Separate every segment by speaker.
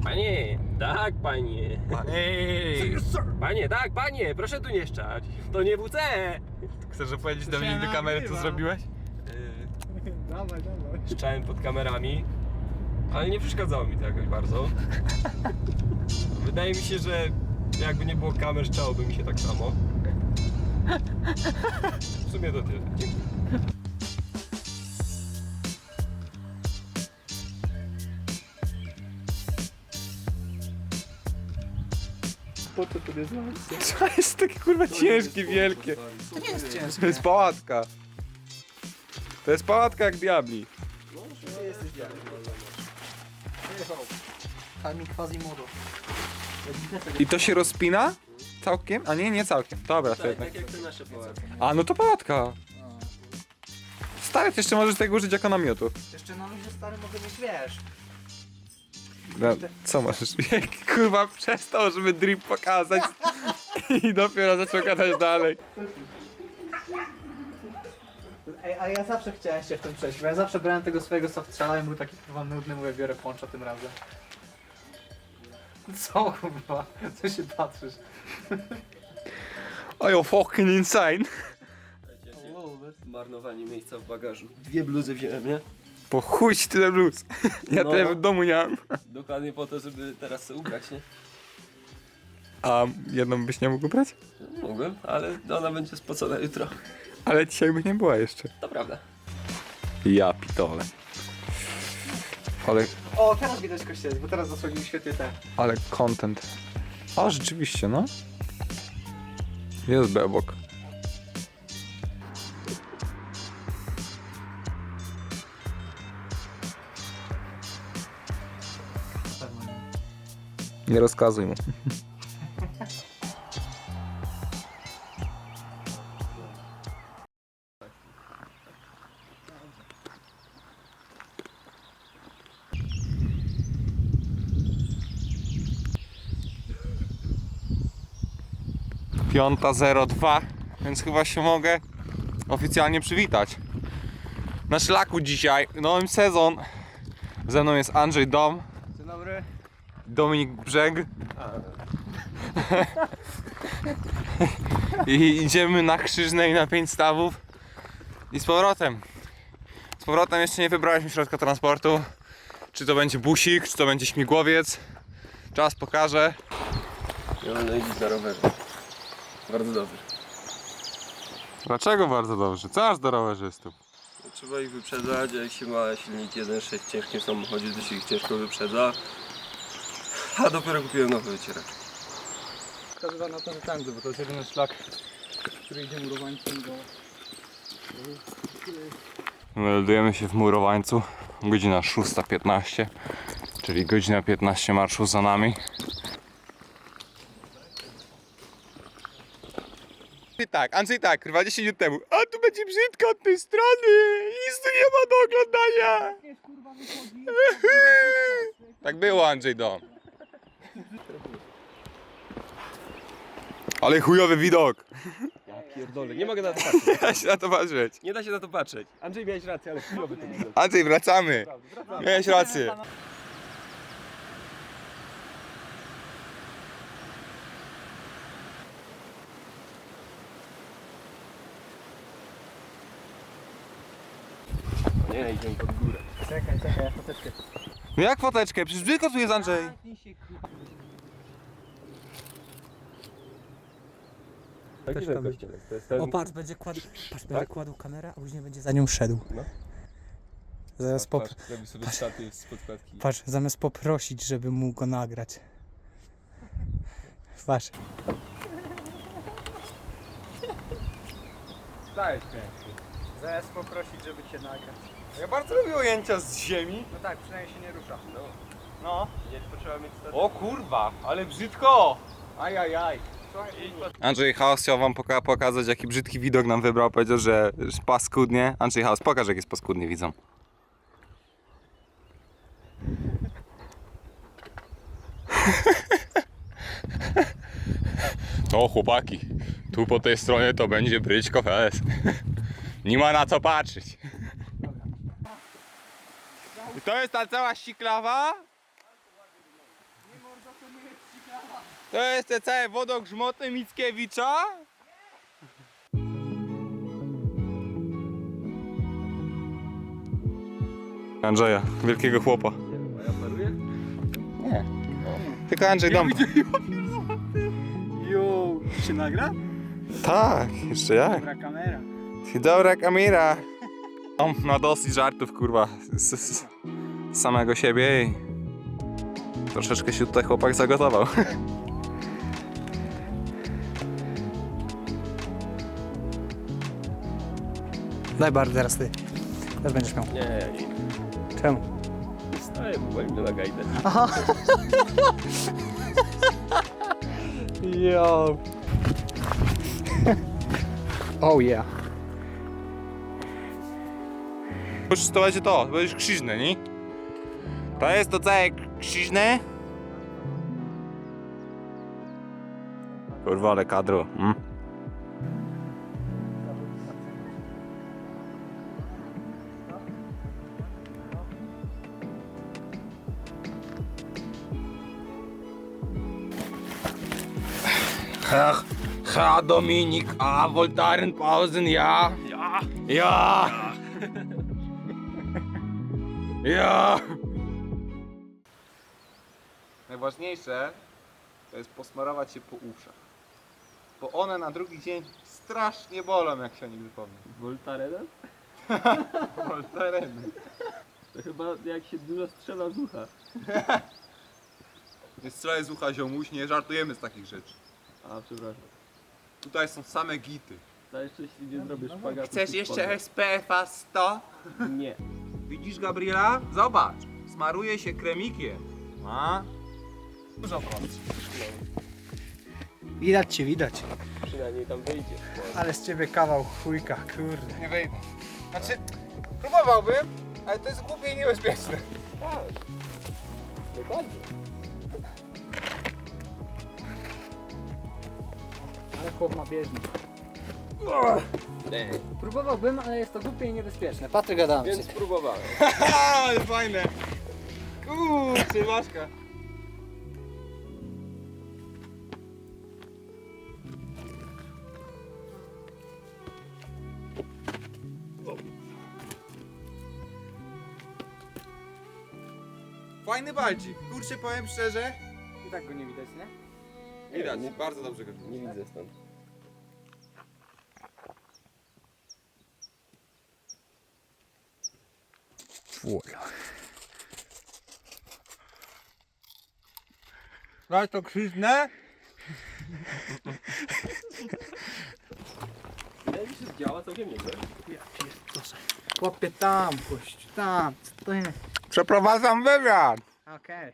Speaker 1: Panie, tak panie. Panie, tak panie, proszę tu nie szczać. To nie WC.
Speaker 2: Chcesz opowiedzieć do mnie do kamery, co zrobiłeś?
Speaker 3: Dawaj.
Speaker 1: Szczałem pod kamerami, ale nie przeszkadzało mi to jakoś bardzo. Wydaje mi się, że jakby nie było kamer, szczałoby mi się tak samo. W sumie to tyle. Dziękuję.
Speaker 3: Po co to jest lampka?
Speaker 2: To jest takie kurwa ciężkie, wielkie.
Speaker 3: To nie jest ciężkie.
Speaker 2: To jest pałatka. To jest pałatka jak diabli.
Speaker 3: Gdzie jesteś diabłem? Kami Quasimodo.
Speaker 2: I to się rozpina? Całkiem? A nie całkiem. Dobra, to jednak.
Speaker 1: Tak jak te nasze pałatki.
Speaker 2: A no to pałatka. Stary, ty jeszcze możesz tego użyć jako namiotu.
Speaker 3: Jeszcze na luzie stary mogę mieć, wiesz.
Speaker 2: No, co możesz? Kurwa przestał, żeby drip pokazać i dopiero zaczął gadać dalej.
Speaker 3: Ej, ale ja zawsze chciałem się w tym przejść, bo ja zawsze brałem tego swojego softstrzela i był taki kurwa nudny, mówię, biorę poncza tym razem. Co kurwa? Co się patrzysz?
Speaker 2: Oh, you're fucking insane.
Speaker 1: Marnowanie miejsca w bagażu. 2 bluzy wziąłem, nie?
Speaker 2: Po chuj ci tyle bluz. Ja
Speaker 1: No.
Speaker 2: tyle w domu nie mam.
Speaker 1: Dokładnie po to, żeby teraz sobie ubrać, nie?
Speaker 2: A jedną byś nie mógł brać?
Speaker 1: Mogłem, ale ona będzie spocona jutro.
Speaker 2: Ale dzisiaj by nie była jeszcze.
Speaker 1: To prawda.
Speaker 2: Ja pitole. Ale,
Speaker 3: O, teraz widać kościelec, bo teraz zasłonił świetnie ten.
Speaker 2: ale content. O, rzeczywiście, no. Jest bebok. Nie rozkazuj mu. Piąta 02, więc chyba się mogę oficjalnie przywitać. Na szlaku dzisiaj, nowy sezon. Ze mną jest Andrzej Dom.
Speaker 3: Dzień dobry.
Speaker 2: Dominik Brzeg. I idziemy na Krzyżnej na 5 stawów. I z powrotem. Z powrotem jeszcze nie wybraliśmy środka transportu. Czy to będzie busik, czy to będzie śmigłowiec. Czas pokaże.
Speaker 1: Ja mam na za rowerze. Bardzo dobrze.
Speaker 2: Dlaczego bardzo dobrze? Co aż do rowerzystów?
Speaker 1: Trzeba ich wyprzedzać, a jak się ma silnik 1.6 w ciężkim samochodzie, to się ich ciężko wyprzedza. A dopiero kupiłem nowy wycieracz.
Speaker 3: Wskazywam na to, że tędy, bo to jest jedyny szlak, który idzie murowańcem do...
Speaker 2: Meldujemy się w Murowańcu. Godzina 6:15, czyli godzina 15 marszu za nami. I tak, Andrzej tak, kurwa 10 minut temu. A tu będzie brzydko od tej strony! Nic tu nie ma do oglądania! Tak było, Andrzej Dom. Ale chujowy widok.
Speaker 1: Pierdolę, nie mogę na to patrzeć.
Speaker 2: Da się na to patrzeć.
Speaker 1: Nie da się na to patrzeć. Andrzej, miałeś rację, ale chujowy to widok.
Speaker 2: Andrzej, wracamy. Miałeś rację.
Speaker 1: Nie, idziemy pod górę.
Speaker 3: Czekaj, ja foteczkę.
Speaker 2: No jak foteczkę? Przecież brzydko tu jest, Andrzej.
Speaker 1: Taki ten kościelek, to jest ten...
Speaker 3: O patrz, będzie kładł, będzie kładł kamerę, a później będzie za nią szedł.
Speaker 1: No.
Speaker 3: Zamiast
Speaker 1: Robi sobie staty z podkładki.
Speaker 3: Patrz, zamiast poprosić, żeby mu go nagrać. Patrz.
Speaker 2: Dajesz pięknie.
Speaker 3: Zamiast poprosić, żeby cię nagrać.
Speaker 2: Ja bardzo lubię ujęcia z ziemi.
Speaker 3: No tak, przynajmniej się nie rusza.
Speaker 2: No.
Speaker 1: Nie potrzeba mieć staty.
Speaker 2: O kurwa, ale brzydko. Ajajaj. Andrzej Haus chciał wam pokazać, jaki brzydki widok nam wybrał. Powiedział, że paskudnie. Andrzej Haus, pokaż, jak jest paskudnie, widzą. No chłopaki, tu po tej stronie to będzie Bryczko Fes. Nie ma na co patrzeć. I to jest ta cała siklawa? To jest te całe wodogrzmoty Mickiewicza? Andrzeja, wielkiego chłopa.
Speaker 1: A ja paruję?
Speaker 2: Nie. Tylko Andrzej Dąb.
Speaker 3: Jo, się nagra?
Speaker 2: Tak, jeszcze jak?
Speaker 3: Dobra kamera.
Speaker 2: Dobra kamera. On ma dosyć żartów, kurwa, z samego siebie i troszeczkę się tutaj chłopak zagotował.
Speaker 3: Daj bar teraz ty. Teraz będziesz miał.
Speaker 1: Nie, ja nie.
Speaker 3: Czemu?
Speaker 1: Staję, bo wolę na gajdę.
Speaker 3: Jo. Oh yeah.
Speaker 2: Już to będzie to będziesz krzyżne, nie? To jest to całe krzyżne. Kurwa, ale kadro. Herr Dominik, Voltaren Pausen, ja.
Speaker 1: Ja!
Speaker 2: Ja! Ja! Najważniejsze to jest posmarować się po uszach. Bo one na drugi dzień strasznie bolą, jak się o nich wypomnę.
Speaker 1: Voltaren?
Speaker 2: Voltaren.
Speaker 1: To chyba jak się dużo strzela z ucha.
Speaker 2: Nie strzelaj z ucha, ziomuś, nie żartujemy z takich rzeczy.
Speaker 1: A, przepraszam.
Speaker 2: Tutaj są same gity.
Speaker 1: To jeszcze jeśli nie zrobisz szpagatu.
Speaker 2: Chcesz
Speaker 1: to
Speaker 2: jeszcze
Speaker 1: spodem.
Speaker 2: SPF-a 100?
Speaker 1: Nie.
Speaker 2: Widzisz, Gabriela? Zobacz, smaruje się kremikiem. A? Dużo pracy.
Speaker 3: Widać cię, widać.
Speaker 1: Przynajmniej tam wyjdzie.
Speaker 3: Ale z ciebie kawał chujka, kurde.
Speaker 2: Nie wejdę. Znaczy, próbowałbym, ale to jest głupie i niebezpieczne.
Speaker 1: Tak. Dokładnie.
Speaker 3: Ale chłop ma bieżnik.
Speaker 1: Nie.
Speaker 3: Próbowałbym, ale jest to głupie i niebezpieczne. Patryk Adamczyk.
Speaker 1: Więc spróbowałem.
Speaker 2: Ale fajne. Kurczę, Maszka. Fajny baldzik. Kurczę, powiem szczerze.
Speaker 3: I tak go nie widać, nie?
Speaker 2: Widać, bardzo dobrze go widać.
Speaker 1: Nie widzę stąd.
Speaker 2: Daj to krzyżne.
Speaker 1: Wydaje mi się, że działa całkiem nieźle.
Speaker 3: Chłopie tam, puść, tam, co to jest?
Speaker 2: Przeprowadzam wywiad.
Speaker 3: Okej.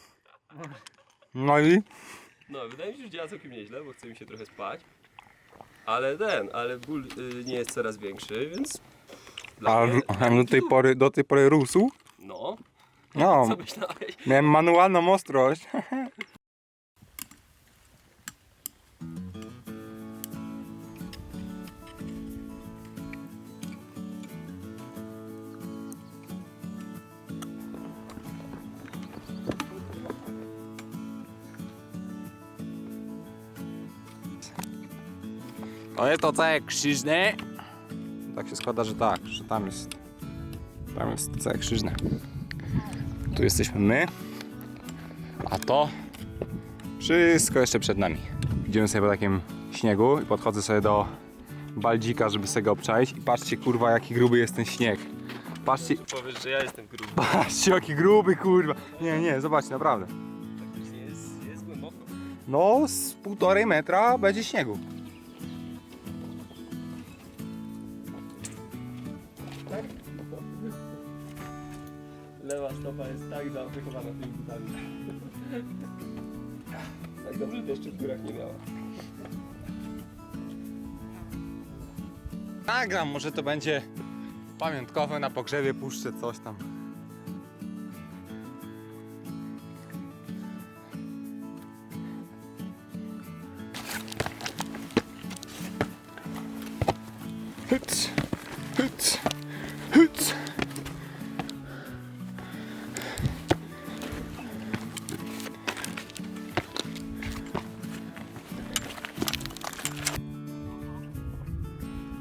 Speaker 2: No i?
Speaker 1: No, wydaje mi się, że działa całkiem nieźle, bo chce mi się trochę spać. Ale ból nie jest coraz większy, więc... Dla mnie,
Speaker 2: do tej pory rósł?
Speaker 1: No,
Speaker 2: No,
Speaker 1: co myślałeś?
Speaker 2: miałem manualną ostrość. To jest to całe krzyżne. Tak się składa, że tak, że tam jest całe krzyżne. Tu jesteśmy my, a to wszystko jeszcze przed nami. Idziemy sobie po takim śniegu i podchodzę sobie do baldzika, żeby sobie go obczaić i patrzcie, kurwa, jaki gruby jest ten śnieg. Patrzcie,
Speaker 1: Powiesz, że ja jestem gruby.
Speaker 2: patrzcie, jaki gruby, kurwa. Nie, zobaczcie, naprawdę.
Speaker 1: Faktycznie jest głęboko.
Speaker 2: No, z 1,5 metra będzie śniegu.
Speaker 1: Lewa stopa jest tak zaopiekowana tymi butami. Tak dobrze deszczu w górach nie miała.
Speaker 2: Nagram, może to będzie pamiątkowe, na pogrzebie puszczę coś tam. Hyc, hyc, hyc.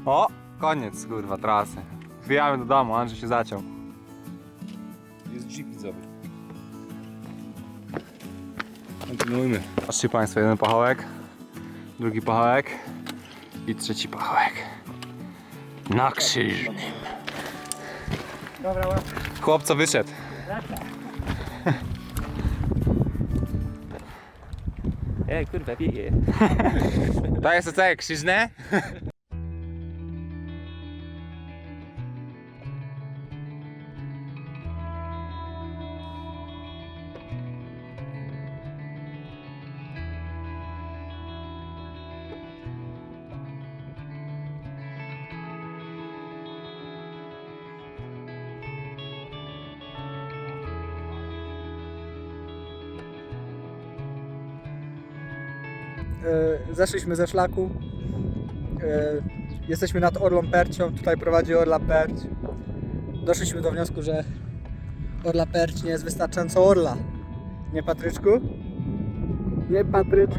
Speaker 2: O, koniec kurwa trasy. Zwijamy do domu, Andrzej się zaciął. Jest jeep widzowy. Kontynuujmy. Patrzcie Państwo, jeden pachołek, drugi pachołek i trzeci pachołek. Na krzyżnym.
Speaker 3: Dobra, łap.
Speaker 2: Chłopco wyszedł.
Speaker 1: Kurwa, wieje.
Speaker 2: To jest to całe krzyżne?
Speaker 3: Zeszliśmy ze szlaku. Jesteśmy nad Orlą Percią, tutaj prowadzi Orla Perć. Doszliśmy do wniosku, że Orla Perć nie jest wystarczająco orla. Nie, Patryczku? Nie, Patryczku?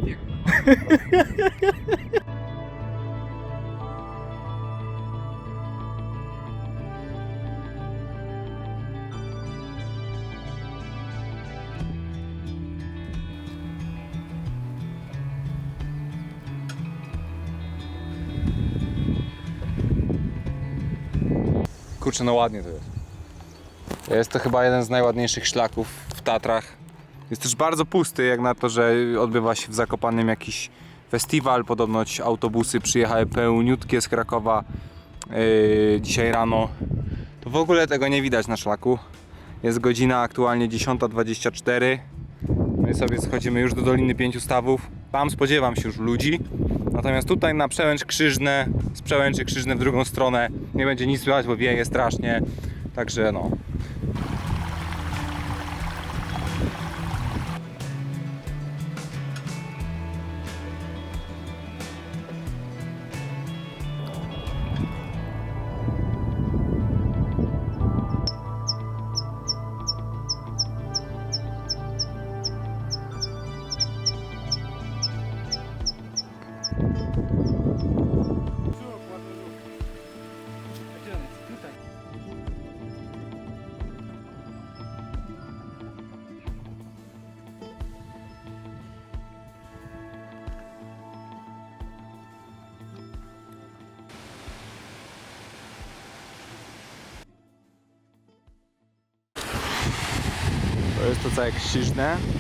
Speaker 2: Kurczę, no ładnie to jest. Jest to chyba jeden z najładniejszych szlaków w Tatrach. Jest też bardzo pusty, jak na to, że odbywa się w Zakopanem jakiś festiwal. Podobnoć autobusy przyjechały pełniutkie z Krakowa dzisiaj rano. To w ogóle tego nie widać na szlaku. Jest godzina aktualnie 10:24. My sobie schodzimy już do Doliny Pięciu Stawów. Tam spodziewam się już ludzi. Natomiast tutaj na Przełęcz Krzyżne, z Przełęczy Krzyżne w drugą stronę nie będzie nic słychać, bo wieje strasznie. Także no. To jest to całe Krzyżne.